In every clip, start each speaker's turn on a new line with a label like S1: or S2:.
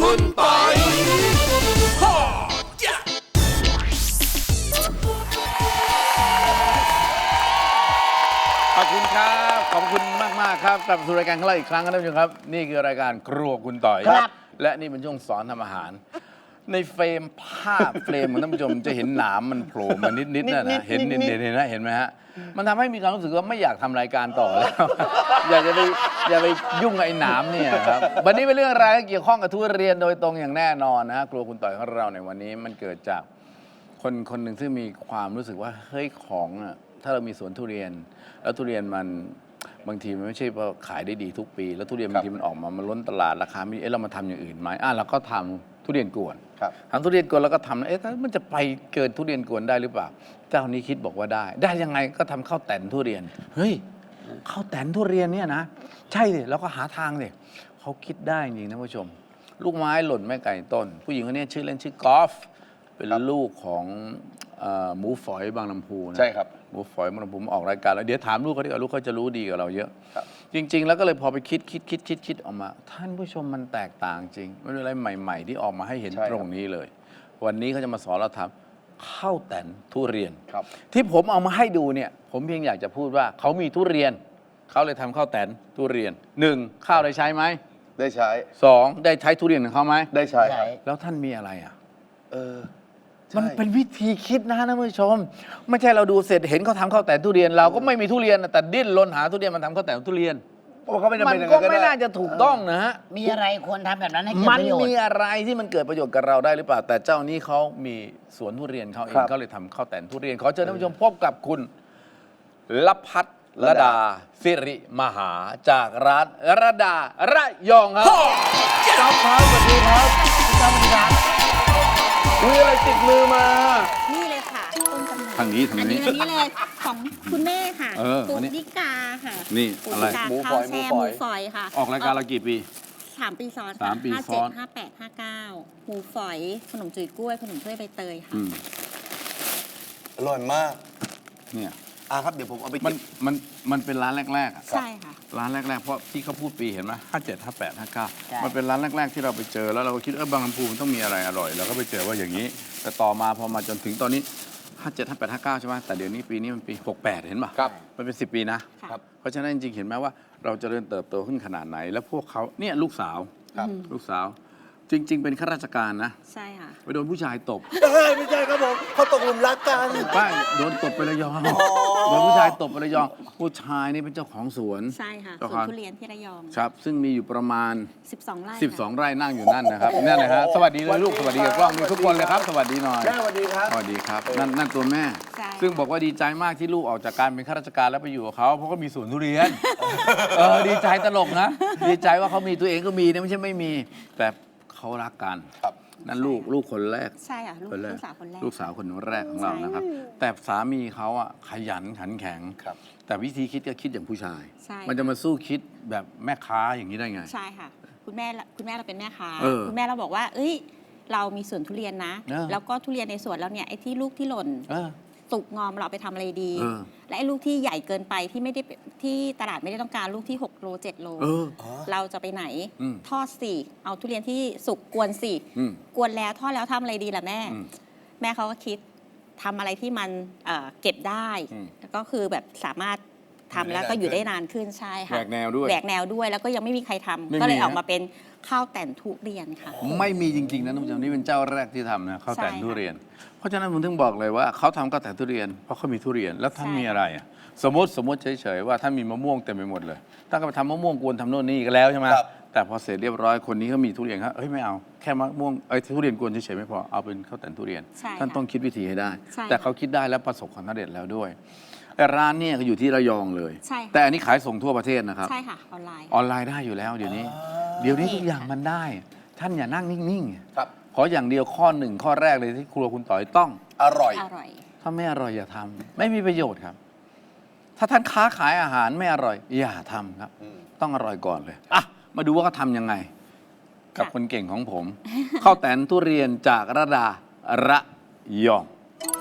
S1: คุณปอยขอบคุณครับขอบคุณมากครับกลับสู่รายการของเราอีกครั้งครับท่านผู้ชมครับนี่คือรายการครัวคุณต่อยครับและนี่เป็นช่วงสอนทำอาหารในเฟรมภาพเฟรมของท่านผู้ชมจะเห็นหนามมันโผล่มานิดๆนะเห็นไหมฮะมันทำให้มีความรู้สึกว่าไม่อยากทำรายการต่อแล้ว อย่าไปยุ่งกับไอ้หนามเนี่ยครับวันนี้เป็นเรื่องราวที่เกี่ยวข้องกับทุเรียนโดยตรงอย่างแน่นอนนะฮะครัวคุณต่อยของเราในวันนี้มันเกิดจากคนหนึ่งซึ่งมีความรู้สึกว่าเฮ้ยของอ่ะถ้าเรามีสวนทุเรียนแล้วทุเรียนมันบางทีมันไม่ใช่ว่าขายได้ดีทุกปีแล้วทุเรียนบางทีมันออกมามันล้นตลาดราคาไม่ดีเรามาทำอย่างอื่นไหมเราก็ทำทุเรียนกวนทำทุเรียนกวนแล้วก็ทำมันจะไปเกินทุเรียนกวนได้หรือเปล่าเจ้านี้คิดบอกว่าได้ยังไงก็ทำข้าวแต่นทุเรียนเฮ้ยข้าวแต่นทุเรียนเนี่ยนะใช่สิแล้วก็หาทางสิเขาคิดได้จริงนะผู้ชมลูกไม้หล่นไม่ไกลต้นผู้หญิงคนนี้ชื่อเล่นชื่อกอล์ฟเป็นลูกของหมูฝอยบางลำพูนะใช่ครับหมูฝอยบางลำพูออกรายการแล้วเดี๋ยวถามลูกเขาดีกว่าลูกเขาจะรู้ดีกว่าเราเยอะจริงๆแล้วก็เลยพอไปคิดออกมาท่านผู้ชมมันแตกต่างจริงมันเป็นอะไรใหม่ๆที่ออกมาให้เห็นตรงนี้เลยวันนี้เขาจะมาสอนเราทำข้าวแต่นทุเรียนที่ผมเอามาให้ดูเนี่ยผมเพียงอยากจะพูดว่าเขามีทุเรียนเขาเลยทำข้าวแต่นทุเรียน1ข้าวได้ใช้ไหม
S2: ได้ใช้
S1: 2ได้ใช้ทุเรียนของเขาไหม
S2: ได้ใช้
S1: แล้วท่านมีอะไรมันเป็นวิธีคิดนะท่านผู้ชมไม่ใช่เราดูเสร็จเห็นเขาทำข้าวแต่นทุเรียนเราก็ไม่มีทุเรียนแต่ดิ้นรนหาทุเรียนมันทำข้าวแต่นทุเรียนมันก็ไม่น่าจะถูกต้องนะฮะ
S3: มีอะไรควรทำแบบนั้นให้เกิดประโยชน์
S1: มันมีอะไรที่มันเกิดประโยชน์กับเราได้หรือเปล่าแต่เจ้านี้เขามีสวนทุเรียนเขาเองเขาเลยทำข้าวแต่นทุเรียนขอเชิญท่านผู้ชมพบกับคุณลพัฒน์ระดาสิริมหาจากร้านระดาระยองครับครับสวัสดีครับสวัสดีครับมีอะไรติดมือมา
S4: นี่เลยค่ะต้นกำเนิด
S1: ทางนี้
S4: อันนี้เลยของคุณแม่ค่ะปุ๊กดิกาค่ะ
S1: นี่อะไร
S4: หมูฝอยหมูฝอยค่ะ
S1: ออกรายการเรากี่ปี
S4: 3 ปีซ้อน
S1: 3 ปีซ้อน
S4: 57 58 59หมูฝอยขนมจุ๋ยกล้วยขนมถ้วยใบเตยค่ะ
S2: อร่อยมาก
S1: เนี่ย
S2: ครับเดี๋ยวผมเอาไป
S1: มันเป็นร้านแรก
S4: ๆใช่ค่ะ
S1: ร้านแรกๆเพราะที่เขาพูดปีเห็นไหม57 58 59มันเป็นร้านแรกๆที่เราไปเจอแล้วเราก็คิดบางลำพูมันต้องมีอะไรอร่อยเราก็ไปเจอว่าอย่างนี้แต่ต่อมาพอมาจนถึงตอนนี้57 58 59ใช่ไหมแต่เดี๋ยวนี้ปีนี้มันปี68เห็นป่ะมันเป็น10 ปีนะเพราะฉะนั้นจริงๆเห็นไหมว่าเราจะเริ่มเติบโตขึ้นขนาดไหนแล้วพวกเขาเนี่ยลูกสาวจริงๆเป็นข้าราชการนะ
S4: ใช่ค่ะ
S1: ไปโดนผู้ชายตบ
S2: ไม่ใช่ครับผมเขาตกหลุมรักกัน
S1: ป้าโดนตบไประยองโดนผู้ชายตบไประยองผู้ชายนี่เป็นเจ้าของสวน
S4: ใช่ค่ะสวนทุเรียนที่ระยอง
S1: ครับซึ่งมีอยู่ประมาณ
S4: 12 ไร่
S1: 12 ไร่นั่งอยู่นั่นนะครับนั่นเลยฮะสวัสดีเลยลูกสวัสดีกับกล้องมีทุกคนเลยครับสวัสดีหน่อย
S2: แม่สวัสดีครับ
S1: สวัสดีครับนั่นตัวแม่ซึ่งบอกว่าดีใจมากที่ลูกออกจากการเป็นข้าราชการแล้วไปอยู่กับเขาเพราะก็มีสวนทุเรียนดีใจตลกนะดีใจว่าเขามีตัวเองก็มีนะไม่ใช่ไม่มีแต่เขารักกันนั่นลูกคนแรก
S4: ใช่ค่ะลูกสาวคนแรก
S1: ลูกสาวคนแรกของเรานะครับแต่สามีเขาขยันขันแข็งแต่วิธีคิดก็คิดอย่างผู้ชายมันจะมาสู้คิดแบบแม่ค้าอย่างนี้ได้ไง
S4: ใช่ค่ะคุณแม่เราเป็นแม่ค้าคุณแม่เราบอกว่าเรามีสวนทุเรียนนะแล้วก็ทุเรียนในสวนเราเนี่ยไอ้ที่ลูกที่หล่นสุกงอมเราไปทำอะไรดีและไอ้ลูกที่ใหญ่เกินไปที่ไม่ได้ที่ตลาดไม่ได้ต้องการลูกที่6 โล 7 โลเราจะไปไหนทอดสิเอาทุเรียนที่สุกกวนสิกวนแล้วทอดแล้วทำอะไรดีล่ะแม่เขาก็คิดทำอะไรที่มันเก็บได้แล้วก็คือแบบสามารถทำแล้วก็อยู่ได้นานขึ้นใช่ค่ะ
S1: แหวกแนว
S4: ด้วยแล้วก็ยังไม่มีใครทำก็เลยออกมาเป็นข้าวแต่นทุเรียนค่ะ
S1: ไม่มีจริงๆนะท่านผู้ชมนี่เป็นเจ้าแรกที่ทำนะข้าวแต่นทุเรียนเพราะฉะนั้นผมถึงบอกเลยว่าเขาทำข้าวแต่นทุเรียนเพราะเขามีทุเรียนแล้วท่านมีอะไรสมมติเฉยๆว่าท่านมีมะม่วงเต็มไปหมดเลยท่านก็ไปทำมะม่วงกวนทำโน่นนี่ก็แล้วใช่ไหมแต่พอเสร็จเรียบร้อยคนนี้เขามีทุเรียนครับไม่เอาแค่มะม่วงทุเรียนกวนเฉยๆไม่พอเอาเป็นข้าวแต่นทุเรียนท่านต้องคิดวิธีให้ได้แต่เขาคิดได้แล้วประสบความสำเร็จแล้วด้วยร้านเนี่ยอยู่ที่ระยองเลยแต่อันนี้ขายส่งทั่วประเทศนะครับ
S4: ใช่ค่ะออน
S1: ไลน์ได้อยู่แล้วเดี๋ยวนี้ทุกอย่างมันได้ท่านอย่านั่งนิ่งๆขออย่างเดียวข้อ1ข้อแรกเลยที่ครัวคุณต่อยต้อง
S2: อร่อย
S1: ถ้าไม่อร่อยอย่าทำไม่มีประโยชน์ครับถ้าท่านค้าขายอาหารไม่อร่อยอย่าทำครับต้องอร่อยก่อนเลยมาดูว่าเขาทำยังไงกับคนเก่งของผมข้าวแต่นทุเรียนจากระดาระยอง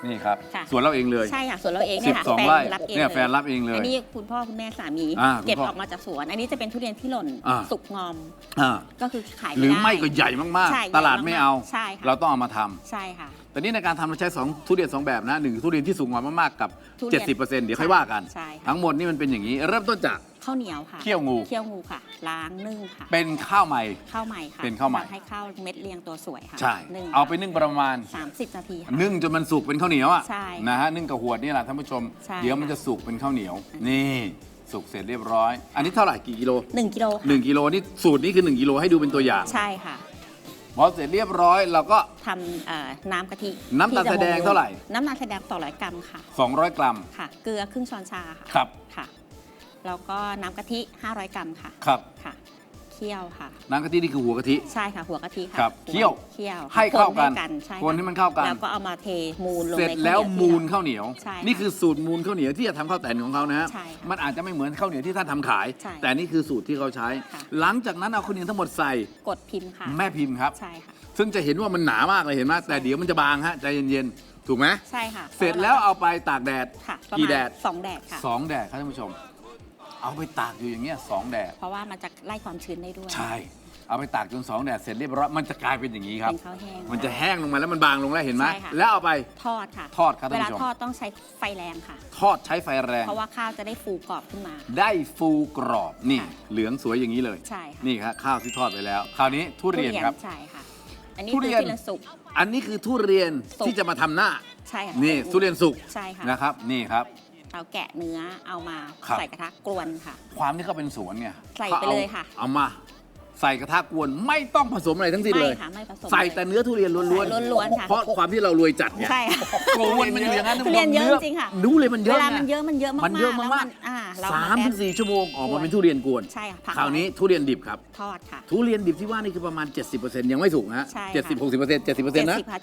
S1: นี่ครับ
S4: ค่ะ
S1: สวนเราเองเลย
S4: ใช่ค่ะส่วนเราเองเนี่ยค่ะ
S1: 12 ไร่
S4: รับเอง
S1: เนี่ย
S4: เลย
S1: แฟนรับเองเลย
S4: อันนี้คุณพ่อคุณแม่สามี
S1: คุณ
S4: เก็บ
S1: พ่อ
S4: ออกมาจากสวน อันนี้จะเป็นทุเรียนที่หล่น
S1: อ่า
S4: สุกงอม
S1: อ่า
S4: ก็คือขาย
S1: หรือ
S4: ด้
S1: ไม่ก็ใหญ่มาก
S4: ใช่
S1: ๆ ตลาดไม่เอา
S4: ใช่ค่ะ
S1: เราต้องเอามาทำ
S4: ใช่ค่ะ
S1: แต่นี่ในการทำเราใช้ทุเรียน 2 แบบนะหนึ่งทุเรียนที่สุกงอมมากๆกับ
S4: ทุเรียน
S1: 70%เดี๋ยวค่อยว่ากัน
S4: ใช่ค่ะ
S1: ทั้งหมดนี่มันเป็นอย่างนี้ เริ่มต้นจาก
S4: ข้าวเหนียวค่ะ
S1: เคี่ยวงู
S4: เคี่ยวงูค่ะ ล้างนึ่งค่ะ
S1: เป็นข้าวใหม่
S4: ข้าวใหม่ค่ะ
S1: เป็นข้าวใหม่
S4: ทำให้ข้าวเม็ดเรียงตัวสวยค่ะ
S1: ใช่
S4: นึ่ง
S1: เอาไปนึ่งประมาณ
S4: 30 นาทีค่ะ
S1: นึ่งจนมันสุกเป็นข้าวเหนียวอ่ะ
S4: ใช่
S1: นะฮะนึ่งกับหวดนี่แหละท่านผู้ชม
S4: ใช่
S1: เดี๋ยวมันจะสุกเป็นข้าวเหนียว นี่สุกเสร็จเรียบร้อย อันนี้เท่าไหร่กี่กิโล
S4: 1 กิโลค่ะ
S1: 1 กิโลนี่สูตรนี้คือ 1 กิโลให้ดูเป็นตัวอย่าง
S4: ใช่ค่ะ
S1: พอเสร็จเรียบร้อยเราก็
S4: ทำน้ำกะทิ
S1: น้ำตาล
S4: ที่จะ
S1: แสดงเท่าไหร่
S4: น้ำตาลแสดง200 กรัมค่ะ
S1: 200 กรัม
S4: ค่ะ เกลือครึ่งช้อนชาค่ะ
S1: ครับ
S4: ค่ะ แล้วก็น้ำกะทิ500 กรัมค่ะ
S1: ครับ
S4: ค่ะ เคี่ยวค่ะ
S1: น้ำกะทินี่คือหัวกะทิ
S4: ใช่ค่ะ หัวกะทิค่ะ
S1: ครับ
S4: หั
S1: เคี่ยว
S4: เคี่ยว
S1: ให้เข้ากัน
S4: ใช่
S1: คนให้มันเข้ากัน
S4: แล้วก็เอามาเทมูลลง
S1: เสร็จ
S4: ในข้าว
S1: แล้ว
S4: เหนีย
S1: มูล
S4: ที่
S1: ข้าวเหนียว
S4: ใช่
S1: นี่คือสูตรมูลข้าวเหนียวที่จะทำข้าวแตนของเขานะฮะ
S4: ใช่ค่ะ
S1: มันอาจจะไม่เหมือนข้าวเหนียวที่ท่านทำขาย
S4: ใช่
S1: แต่นี่คือสูตรที่เขาใช้
S4: ค่ะ
S1: หลังจากนั้นเอาข้าวเหนียวทั้งหมดใส่
S4: กดพิมพ์ค่ะ
S1: แม่พิมพ์ครับ
S4: ใช่ค่ะ
S1: ซึ่งจะเห็นว่ามันหนามากเลยเห็นไหมแต่เดี๋ยวมันจะบางฮะใจเย็นๆ ถูกไหม
S4: ใช่ค่ะ
S1: เสร็จแล้วเอาไปตากแดด
S4: ค่ะประ
S1: กี่
S4: มาณ
S1: แดด
S4: 2 แดดค่ะ
S1: 2 แดดครับท่านผู้ชม เอาไปตากอยู่อย่างเงี้ย2 แดด
S4: เพราะว่ามันจะไล่ความชื้นได้ด้วย
S1: ใช่ เอาไปตากจน2 แดดเสร็จเรียบร้อยมันจะกลายเป็นอย่างนี้ครับ
S4: เป็นข้าวแห้ง
S1: มันจะแห้งลงมาแล้วมันบางลงแล้วเห็นไหม
S4: ใช่ค่ะ
S1: แล้วเอาไป
S4: ทอดค่ะ
S1: ทอดครับ
S4: เว
S1: ท่าน
S4: ลา
S1: ผู้ชม
S4: ทอดต้องใช้ไฟแรงค่ะ
S1: ทอดใช้ไฟแรง
S4: เพราะว่าข้าวจะได้ฟูกรอบขึ้นมา
S1: ได้ฟูกรอบนี่
S4: ค่ะ
S1: เหลืองสวยอย่างนี้เลย
S4: ใช่ค่ะ
S1: นี่ครับข้าวที่ทอดไปแล้ว คราวนี้ทุเรียนครับ
S4: ใช่ค่ะ อันนี้
S1: ทุ
S4: คือ
S1: เรียน
S4: ทุเรียนสุก
S1: อันนี้คือทุเรียน
S4: สุก
S1: ที่จะมาทำหน้า
S4: ใช่ค่ะ
S1: นี่ทุเรียนสุก
S4: ใช่ค่ะ
S1: นะครับนี่ครับ
S4: เราแกะเนื้อเอามา
S1: ครับ
S4: ใส่กระทะกวนค่ะ
S1: ความที่เขาเป็นสวนเนี่ย
S4: ใส่
S1: ขา
S4: ไปเลยค่ะ
S1: เอามาใส่กระทะกวนไม่ต้องผสมอะไรทั้งสิ้นเลย
S4: ไม่ค่ะไม่ผสม
S1: ใส่แต่เนื้อทุเรียนล้วน
S4: ใส่ล้วนๆค่ะ
S1: เพราะความที่เรารวยจัดไง
S4: ใช่ค่ะ
S1: โกวนมันอยู่อย่างนั้น
S4: ทุเรียนเยอะจริงๆค่ะ
S1: ดูเลยมันเย
S4: เว
S1: อะ
S4: ลา
S1: ไง
S4: มันเยอะมันเยอะมากๆ
S1: มันเยอะมาก
S4: แล้วเรา
S1: สาม
S4: แด
S1: ถึ
S4: ด
S1: งสี่ชั่วโมงออกมาเป็นทุเรียนกวน
S4: ใช่ค่ะพัก
S1: คราวนี้
S4: ไ
S1: ทุเรียนดิบครับ
S4: ทอดค่ะ
S1: ทุเรียนดิบที่ว่านี่คือประมาณ 70%ยังไม่สุกนะฮะ
S4: ใช่ค่ะ
S1: 70-60% 70%นะ
S4: 70ค่ะ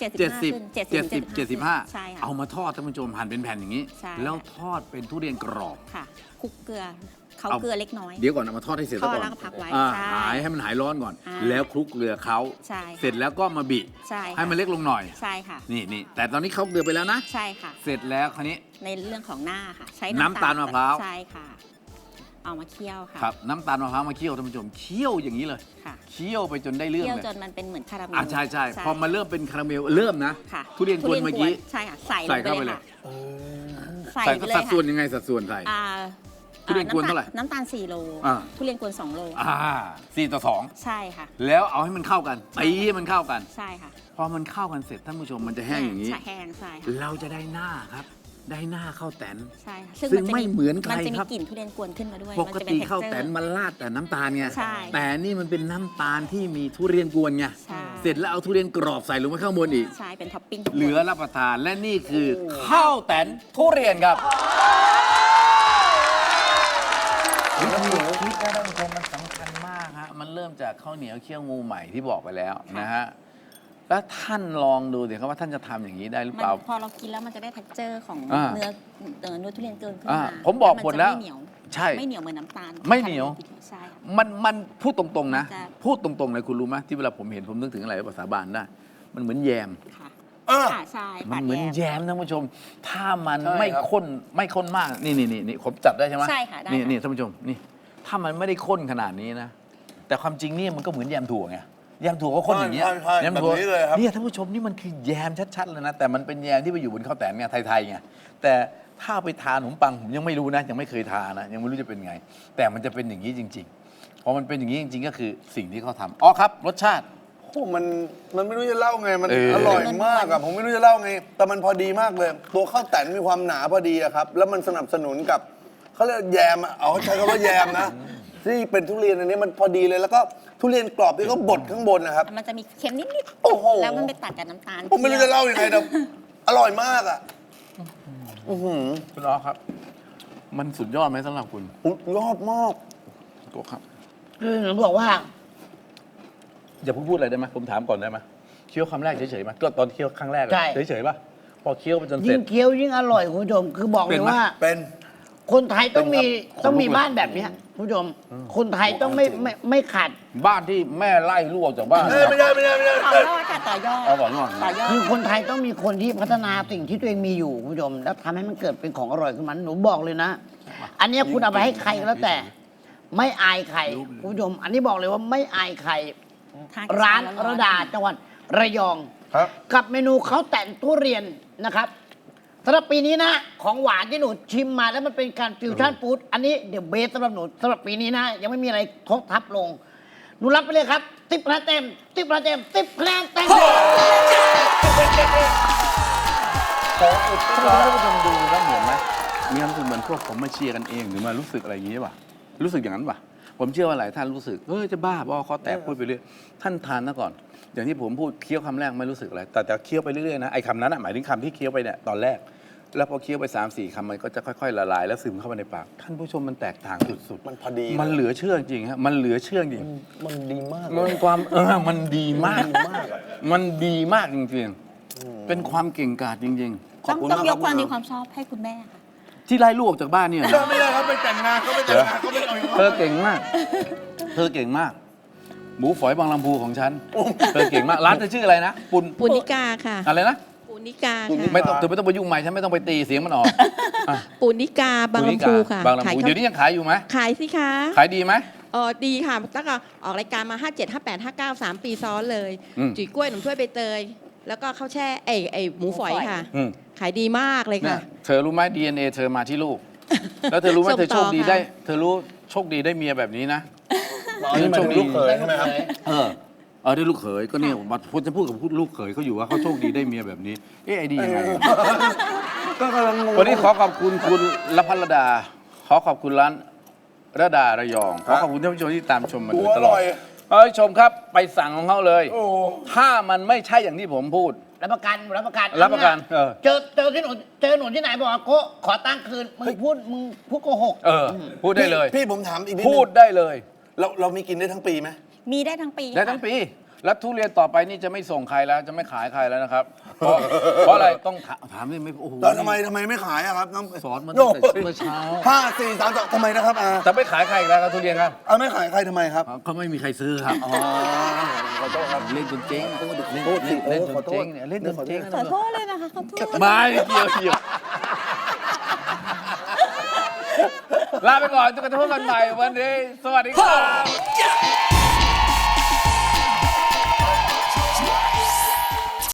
S1: 70 75
S4: ใช่ค่ะ
S1: เอามาทอดท่านผู้ชมหั่นเป็นแผ่นอย่างนี้
S4: ใช่
S1: แล้วทอดเป็นทุเรียนกรอบ
S4: ค่ะคลุกเกลือเขา
S1: เอา
S4: เกลือเล็กน้อย
S1: เดี๋ยวก่อนเอามาทอดให้เสร็จซะก่อน
S4: ทอดแล้วก็พักไว้
S1: อ่า
S4: ใช่
S1: หายให้มันหายร้อนก่อน
S4: อ่า
S1: แล้วคลุกเกลือเขา
S4: ใช่
S1: เสร็จแล้วก็มาบิ
S4: ใช่ค่ะ
S1: ให้มันเล็กลงหน่อย
S4: ใช่ค่ะ
S1: นี่แต่ตอนนี้เขาเกลือไปแล้วนะ
S4: ใช่ค่ะ
S1: เสร็จแล้วคราวนี้
S4: ในเรื่องของหน้าค่ะ ใช้
S1: น้ำตาลมะพร้าว
S4: ใช่ค่ะ เอามาเคี่ยวค่ะ
S1: ครับน้ำตาลมะพร้าวมาเคี่ยวท่านผู้ชมเคี่ยวอย่างนี้เลย
S4: ค่ะ
S1: เคี่ยวไปจนได้เรื่อง
S4: เคี่ยว
S1: เลย
S4: จนมันเป็นเหมือนคาราเมล
S1: ใช่พอมาเริ่มเป็นคาราเมลเริ่มนะ
S4: ค่ะ
S1: ทุเรียนกวนเมื่อกี้
S4: ใช่ค่ะ ใส่ล
S1: ใส่
S4: งไป
S1: เข้าไป
S4: เลย
S1: เลย
S4: ค่ะใส่
S1: ใส่
S4: ไปเลย
S1: สัดส่วน
S4: ค่ะ
S1: ยังไงสัดส่วนใส่
S4: อ่า
S1: ทุเรียนกวนเท่าไหร่
S4: น้ำตาล4 โล
S1: อ่า
S4: ทุเรียนกวน2 โล
S1: 4:2
S4: ใช่ค่ะ
S1: แล้วเอาให้มันเข้ากันตีให้มันเข้ากัน
S4: ใช่ค่ะ
S1: พอมันเข้ากันเสร็จท่านผู้ชมมันจะแห้งอย่างนี้
S4: ใช่แห้งใช่ค่ะ
S1: เราจะได้หน้าครับ ได้หน้าข้าวแตน
S4: ใช่ค่ะ
S1: ซึ่งไม่เหมือนใคร
S4: มันจะมี
S1: ครับ
S4: กลิ่นทุเรียนกวนขึ้นมาด้วย
S1: ปกติ
S4: มันจะเป็น
S1: ข้าวแตน
S4: texture
S1: มันราดแต่น้ำตาลไง
S4: ใช่
S1: แต่นี่มันเป็นน้ำตาลที่มีทุเรียนกวนไง
S4: ใช่
S1: เสร็จแล้วเอาทุเรียนกรอบใส่ลงไปข้างบนอีก
S4: ใช่เป็นท็อปปิ้ง
S1: เหลือรับประทานและนี่คือข้าวแตนทุเรียนครับวิธีคิดนะท่านผู้ชมมันสำคัญมากฮะมันเริ่มจากข้าวเหนียวเคี่ยวงูใหม่ที่บอกไปแล้วนะฮะแล้วท่านลองดูสิครับว่าท่านจะทำอย่างนี้ได้หรือ
S4: มั
S1: เปล่า
S4: พอเรากินแล้วมันจะได้ texture ของ
S1: อ่า
S4: เนื้อทุเรียนเกินขึ้น
S1: อ่า
S4: มา
S1: ผมบอกหมดแล้ว
S4: นจะไม่เหนียว
S1: ใช่
S4: ไม่เหนียวเหมือนน้ำตาล
S1: ไม่เหนียว
S4: ใช่ค่ะ
S1: มันพูดตรงๆนะ
S4: จะ
S1: พูดตรงๆเลยคุณรู้ไหมที่เวลาผมเห็นผมนึกถึงอะไรภาษาบาลได้ มันเหมือนแยม
S4: ค่ะ
S2: เออ
S4: ค่ะใช่
S1: มัน
S4: ปาด
S1: เหมือน
S4: แย
S1: แย
S4: ม
S1: มท่านผู้ชม ถ้ามัน
S2: ใช่
S1: ไม่
S2: ครับ
S1: ข้นมากนี่ผมจับได้ใช่ไหม
S4: ใช่ค่ะได้
S1: นี่
S4: ค่ะ
S1: นี่ท่านผู้ชมนี่ถ้ามันไม่ได้ข้นขนาดนี้นะ แต่ความจริงเนี่ยมันก็เหมือนแยมถั่วไงแยมถั่วก็ข้นอย่างเงี้ย
S2: ใช่
S1: แยมถั่ว
S2: แบบนี้เลยครับ
S1: เนี่ยท่านผู้ชมนี่มันคือแยมชัดๆเลยนะแต่มันเป็นแยมที่ไปอยู่บนข้าวแตนไงไทยๆไงแต่ถ้าไปทานขนมปังผมยังไม่รู้นะยังไม่เคยทานนะยังไม่รู้จะเป็นไง แต่มันจะเป็นอย่างนี้จริงๆพอมันเป็นอย่างนี้จริง ๆ ก็คือสิ่งที่เขาทำอ๋อครับรสชาติ
S2: โอ้มันไม่รู้จะเล่าไง มัน
S1: เออ
S2: อร่อยมากอะผมไม่รู้จะเล่าไง แต่มันพอดีมากเลย ตัวข้าวแตนมีความหนาพอดีอะครับ แล้วมันสนับสนุนกับเขาเรียกแยมอะเอาใช้คำว่าแยมนะ ที่เป็นทุเรียนอันนี้มันพอดีเลย แล้วก็ทุเรียนกรอบที่เขาบดข้างบนนะครับ
S4: มันจะมีเค็มนิด
S2: โอ้โห
S4: ๆแล้วมันไปตัดกับน้ำตาล
S2: ผมไม่รู้จะเล่ายังไงแต่อร่อยมากอะ
S1: คุณอ๋อครับ มันสุดยอดไหมสำหรับคุณ
S2: ยอดมาก
S1: ตัวครับ
S3: คือหนูบอกว่า
S1: อย่าเพิ่งพูดอะไรได้ไหมผมถามก่อนได้ไหมเคี้ยวคำแรกเฉยๆไหมก็ตอนเคี้ยวครั้งแรกอะ
S3: ใช่
S1: เฉยๆป่ะพอเคี้ยวไปจนเส
S3: ยิ่
S1: ร็
S3: ง
S1: จ
S3: เคี้ยวยิ่งอร่อยคุณผู้ชมคือบอกเล
S1: เป็
S3: ย
S1: นไหม
S3: ว่า
S2: เป็น
S3: คนไทยต้องมี
S1: เป็นครับ
S3: ต้องมีบ้านแบบเนี้ยคุณผู้ชมคนไทยต้องไม่ขาด
S1: บ้านที่แม่ไล่ลูกออกจากบ้าน
S2: ไม่ได้
S4: ต่อยอดค่ะต่อยอด
S1: เอาบอกก่อน
S4: ต่อยอด
S3: คือคนไทยต้องมีคนที่พัฒนาสิ่งที่ตัวเองมีอยู่คุณผู้ชมแล้วทำให้มันเกิดเป็นของอร่อยขึ้นมาหนูบอกเลยนะ อันเนี้ยคุณเอาไปให้ใครก็แล้วแต่ ไม่อายใครคุณผู้ชม อันนี้บอกเลยว่าไม่อายใคร
S4: ทาน
S3: ร้าน
S4: ร้
S3: ระ
S4: อนๆ
S3: ดาจังหวัดระยอง
S2: ครับ
S3: กับเมนูข้าวแต่นทุเรียนนะครับสำหรับปีนี้นะของหวานที่หนูชิมมาแล้วมันเป็นการฟิวชั่นฟู้ดอันนี้เดี๋ยวเบสสำหรับหนูสำหรับปีนี้นะยังไม่มีอะไรทบทับลง หนูรับไปเลยครับ10 คะแนนเต็ม10 คะแนนเต็ม10 คะแนนเต็ม
S1: ขออุดให้ท่านผู้ชมดูนะเหมือนไหมมีความรู้สึกเหมือนพวกผมมาเชียร์กันเองหรือมารู้สึกอะไรอย่างนี้ป่ะรู้สึกอย่างนั้นป่ะผมเชื่อว่าหลายท่านรู้สึกจะบ้าบอคอแตกพูดไปเรื่อยท่านทานซะก่อน อย่างที่ผมพูดเคี้ยวคำแรกไม่รู้สึกอะไรแต่เคี้ยวไปเรื่อยๆนะไอ้คำนั้นหมายถึงคำที่เคี้ยวไปเนี่ยตอนแรก แล้วพอเคี้ยวไป 3-4 คำมันก็จะค่อยๆละลายแล้วซึมเข้าไปในปากท่านผู้ชมมันแตกต่างสุดๆ
S2: มันพอดี
S1: มันเหลือเชื่อจริงฮะมันเหลือเชื่อจริง
S2: มันดีมาก
S1: มันความมันดีมากมันดีมากจริงๆเป็นความเก่งกาจจริง
S4: ต้องยกความดีความชอบให้คุณแม่ค่ะ
S1: ๆ ที่ไล่ลูกออกจากบ้านเนี่ยนะ
S2: ไม่ได้ครับไปแต่งงานเขาไปแต่งงานเขาไปเอา
S1: เธอเก่งมาก เธอเก่งมาก หมูฝอยบางลำพูของฉัน เธอเก่งมาก ร้านเธอชื่ออะไรนะ
S5: ปุณิกาค่ะ
S1: อะไรนะ
S5: ปุณิกาค่ะ
S1: ไม่ต้องเธอไม่ต้องไปยุ่งใหม่ฉันไม่ต้องไปตีเสียงมันออกอ่ะ
S5: ปุณิกาบางลำพูค่ะ
S1: บางลำ
S5: ขาย
S1: พู
S5: ข้าว
S1: เดี๋ยวนี้ยังขายอยู่ไหม
S5: ขายสิคะ
S1: ขายดีไหม
S5: ดีค่ะตั้งแต่ออกรายการมา 57 58 59 3 ปีซ้อนเลย
S1: อืม
S5: จุ๋ยกล้วยหนุ่มถ้วยใบเตย แล้วก็ข้าวแช่ไอ้หมูฝอยค่ะ
S1: อืม
S5: ขายดีมากเลย
S1: เนี่
S5: ค่ะ
S1: ยเธอรู้ไหม DNA เธอมาที่ลูก แล้วเธอรู้ไหม
S5: ส่ง
S1: เธอโชคดี
S5: ต่อค่ะ
S1: ได้ เธอรู้โชคดีได้เมียแบบนี้นะ
S2: อันนี้มันลูกเขยใช่ไหมครับ
S1: ได้ลูกเขยก็เนี่ยผมจะพูดกับลูกเขยเขาอยู่ว่าเขาโชคดีได้เมียแบบนี้ ไอ้ดียังไง
S2: ก็กำลังงง
S1: วันนี้ขอขอบคุณคุณละพัลดา ขอขอบคุณร้านระดาระยอง ขอขอบคุณท่านผู้ชมที่ตามชมมาโดยตลอดชมครับไปสั่งของเขาเลย ถ้ามันไม่ใช่อย่างที่ผมพูด
S3: รับประกันรับประกัน
S1: รับประกัน
S3: เจอที่หนูเจอหนูที่ไหนบอกว่าโกขอตังค์คืนมึงพูดโกหก
S1: พูดได้เลย
S2: พี่ผมถามอีกนิด
S1: พู
S2: นึ
S1: ด
S2: ง
S1: ได้เลย
S2: เรามีกินได้ทั้งปีไหม
S4: มีได้ทั้งปี
S1: ได้ทั้งปี แล้วทุเรียนต่อไปนี่จะไม่ส่งใครแล้วจะไม่ขายใครแล้วนะครับ เพราะอะไรต้องถามนี่ไม่โอ้โห
S2: แล้วทำไมไม่ขายอะครับน้อง
S1: สอนมันตั้งแต่เมื่อเช้า
S2: 5 4 3 2ทำไมนะครับอา
S1: จะไม่ขายใครอีกแล้วครับทุเรียนครับ
S2: ไม่ขายใครทำไมครับ
S1: เขาไม่มีใครซื้อครับ
S2: ขอโทษครับ
S1: เล่นจนเจ๊ง
S2: โทษสิ
S1: เล่นจ
S2: ขอน โทษ
S1: เจ๊งเนี่ยเล่นจนเจ๊ง
S4: ขอโทษเลยนะคะขอโทษ
S1: ไม่เกี่ยวลาไปก่อนจนกระทั่งพบกันใหม่วันนี้ สวัสดีครับ